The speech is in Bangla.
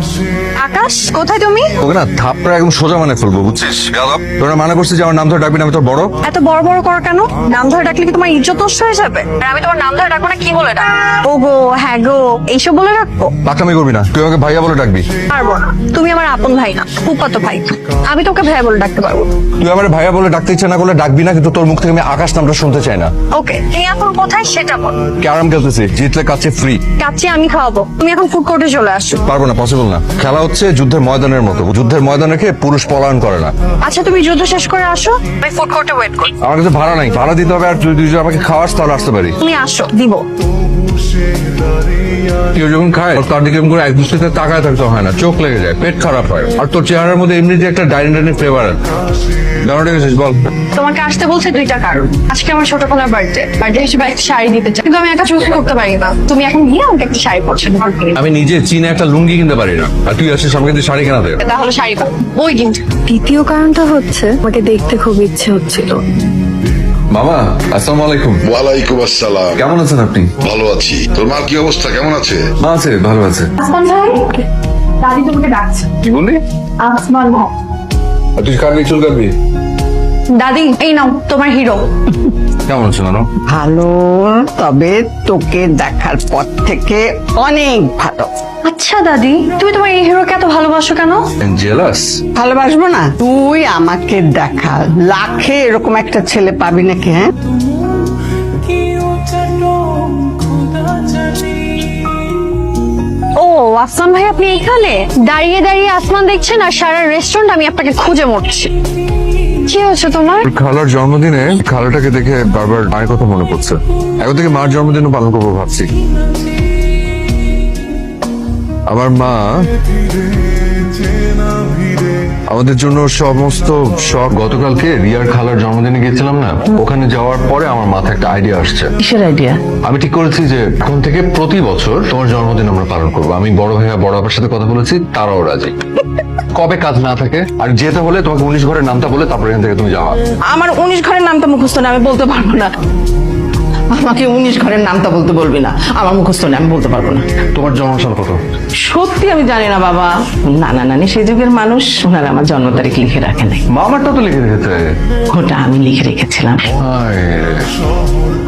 আকাশ, কোথায় তুমি? ওকে না থাপড়া একদম সোজা মানে ফেলবো, বুঝছিস? তোরা মানা করছিস যে আমার নাম ধরে ডাকবি না, আমি তোর বড়। এত বড় বড় করো কেন? নাম ধরে ডাকলে কি তোমার ইজ্জত নষ্ট হয়ে যাবে? আর আমি তোমার নাম ধরে ডাকবো না, কি বলে ডাকবো? ও গো, হ্যাঁ গো, এইসব বলে ডাকবো? পাকলামি করবি না, তুই আমাকে ভাইয়া বলে ডাকবি। পারবো না, তুমি আমার আপন ভাই না, ফুফাতো ভাই। আমি তোকে ভাইয়া বলে ডাকতে পারবো। তুই আমার ভাইয়া বলে ডাকতে ইচ্ছা না করলে ডাকবি না, কিন্তু তোর মুখ থেকে আমি আকাশ নামটা শুনতে চাই না। ওকে, তুমি এখন কোথায় সেটা বল। ক্যারাম খেলতেছি, জিতলে কাছে ফ্রি। কাচ্চি আমি খাওয়াবো, তুমি এখন ফুড কোর্টে চলে আসো। পারবো না, পসিবল না। খেলা হচ্ছে যুদ্ধের ময়দানের মতো, যুদ্ধের ময়দান রেখে পুরুষ পলায়ন করে না। আচ্ছা, তুমি যুদ্ধ শেষ করে আসো, আমি ফুড কোর্টে ওয়েট করি। আমার কাছে ভাড়া নাই, ভাড়া দিতে হবে। আর তুই যদি আমাকে খাওয়াস তাহলে আসতে পারি। তুমি আসো, দিব। কেউ যখন খায় তার দিকে এরকম করে এক দৃষ্টিতে তাকায় থাকতে হয় না, চোখ লেগে যায়, পেট খারাপ হয়। আর তোর চেহারার মধ্যে এমনি যে একটা ডাইনি ফ্লেভার আছে। দাঁড়াতে গেছিস বল। তোমাকে আসতে বলছে দুইটা কারণ। আজকে আমার ছোটবেলার বার্থডে হিসেবে একটা শাড়ি দিতে চাই, কিন্তু আমি একা চুজ করতে পারি না। তুমি এখন গিয়ে আমাকে একটা শাড়ি পছন্দ করবে। আমি নিজে চীনে একটা লুঙ্গি কিনতে পারি না, আর তুই আসিস আমাকে দিয়ে শাড়ি কেনা দে। তাহলে শাড়ি পাবো ওই কিন্তু। দ্বিতীয় কারণটা হচ্ছে আমাকে দেখতে খুব ইচ্ছে হচ্ছিল। মামা, আসসালামু আলাইকুম। ওয়ালাইকুম আসসালাম। কেমন আছেন আপনি? ভালো আছি। তোর মার কি অবস্থা, কেমন আছে? মা আছে, ভালো আছে। আসমান ভাই, দাদি তোমাকে ডাকছে। কি বললি? আসমান ভাই। আর তুই কাটবি, চুল কাটবি? দাদি, এই নাও তোমার হিরো। কেমন আছো নানু? ভালো, তবে তোকে দেখার পর থেকে অনেক ভালো। আচ্ছা দাদি, তুমি তোমার এই হিরোকে এত ভালোবাসো কেন? জেলাস? ভালোবাসবো না? তুই আমাকে দেখা, লাখে এরকম একটা ছেলে পাবি নাকি? হ্যাঁ, ও আসমান ভাই, আপনি এখানে দাঁড়িয়ে দাঁড়িয়ে আসমান দেখছেন আর সারা রেস্টুরেন্ট আমি আপনাকে খুঁজে মরছি। কি হচ্ছে তোমার? খালার জন্মদিনে খালাটাকে দেখে বারবার মায়ের কথা মনে পড়ছে। এখন থেকে মার জন্মদিনও পালন করবো ভাবছি। আমার মা আমাদের জন্য সমস্ত শখ। গতকালকে রিয়ার খালার জন্মদিনে গেছিলাম না, ওখানে যাওয়ার পরে আমার মাথায় একটা আইডিয়া আসছে। কিসের আইডিয়া? আমি ঠিক করেছি যে এখন থেকে প্রতি বছর তোমার জন্মদিন আমরা পালন করবো। আমি বড় ভাইয়া বড় আপার সাথে কথা বলেছি, তারাও রাজি। কবে কাজ না থাকে আর যেতে হলে তোমাকে 19 ঘরের নামটা বলে তারপর এখান থেকে তুমি যাওয়া। আমার 19 ঘরের নামটা মুখস্থ না, আমি বলতে পারবো না। আমাকে 19 ঘরের নামটা বলতে বলবি না, আমার মুখস্থ নেই, আমি বলতে পারবো না। তোমার জন্মসাল কত? সত্যি আমি জানি না বাবা। নানা নানি সেই যুগের মানুষ, ওনারা আমার জন্ম তারিখ লিখে রাখে নাই। মামারটা তো লিখে রেখেছে। ওটা আমি লিখে রেখেছিলাম। হায় রে।